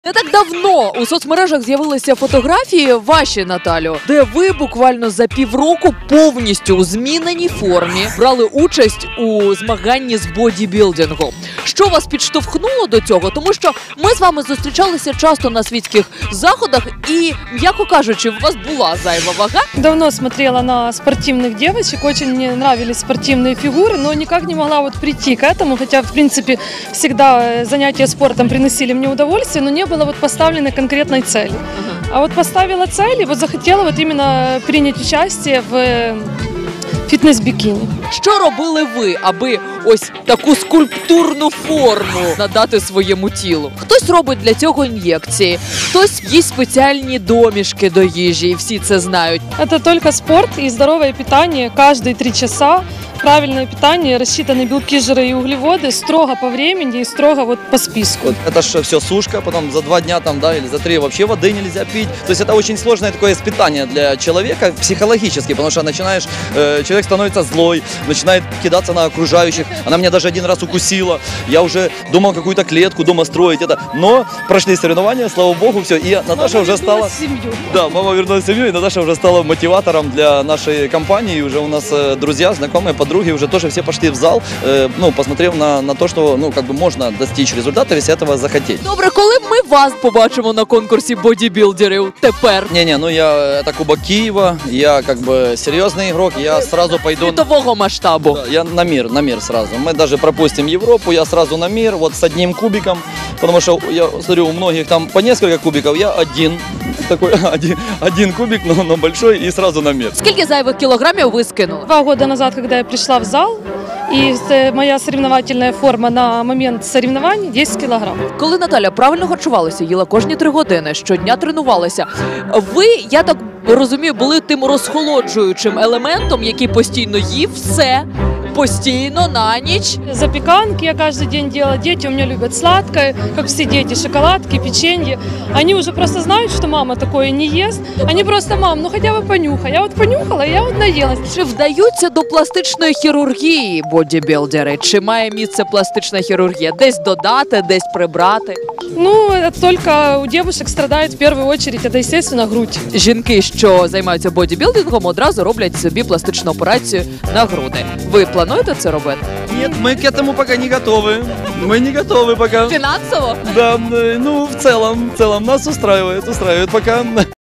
Не так давно у соцмережах з'явилися фотографії ваші, Наталю, де ви буквально за півроку повністю у зміненій формі брали участь у змаганні з бодібілдингу. Що вас підштовхнуло до цього? Тому що ми з вами зустрічалися часто на світських заходах і, м'яко кажучи, у вас була зайва вага. Давно смотрела на спортивных девочек, очень мне нравились спортивные фигуры, но никак не могла вот прийти к этому, хотя, в принципе, всегда занятия спортом приносили мне удовольствие, но не было вот поставленной конкретной цели. А вот поставила цель и вот захотела вот именно принять участие в фітнес-бікіні. Що робили ви, аби ось таку скульптурну форму надати своєму тілу? Хтось робить для цього ін'єкції, хтось їсть спеціальні домішки до їжі, і всі це знають. Это только спорт и здоровое питание каждые 3 часа. Правильное питание, рассчитаны белки, жиры и углеводы, строго по времени и строго вот по списку. Вот это же все сушка, потом за 2 дня там, да, или за 3 вообще воды нельзя пить. То есть это очень сложное такое испытание для человека психологически, потому что начинаешь, человек становится злой, начинает кидаться на окружающих. Она меня даже один раз укусила. Я уже думал какую-то клетку дома строить. Но прошли соревнования, слава богу, все. И Наташа уже стала... Семью. Да, мама вернулась в семью, и Наташа уже стала мотиватором для нашей компании. И уже у нас друзья, знакомые, подруги уже тоже все пошли в зал, посмотрев на то, что, как бы можно достичь результата, если этого захотеть. Добре, коли ми вас побачимо на конкурсі бодібілдерів тепер? Это Кубок Киева, я как бы серьезный игрок, я сразу пойду... Світового масштабу. Да, я на мир сразу. Мы даже пропустим Европу, я сразу на мир, вот с одним кубиком, потому что я смотрю, у многих там по несколько кубиков, я один кубик, но большой, и сразу на мир. Скільки зайвих кілограмів ви скинули? 2 года назад, когда я пришла в зал, и моя соревновательная форма на момент соревнований 10 килограмм. Коли Наталя правильно харчувалася, їла кожні 3 години, щодня тренувалася, ви, я так розумію, були тим розхолоджуючим елементом, який постійно їв все, постійно, на ніч. Запеканки я каждый день делала. Дети у меня любят сладкое, как все дети, шоколадки, печенье. Они уже просто знают, что мама такое не ест. Они просто: мам, ну хотя бы понюхай. Я вот понюхала, я вот наелась. Чи вдаються до пластичної хірургії бодібілдери? Чи має місце пластична хірургія? Десь додати, десь прибрати? Ну, это только у девушек страдает в первую очередь, это, естественно, грудь. Жінки, що займаються бодібілдингом, одразу роблять собі пластичну операцію на груди. Ви плануєте це робити? Нет, мы к этому пока не готовы. Мы не готовы пока. Фінансово? Да, в целом нас устраивает пока.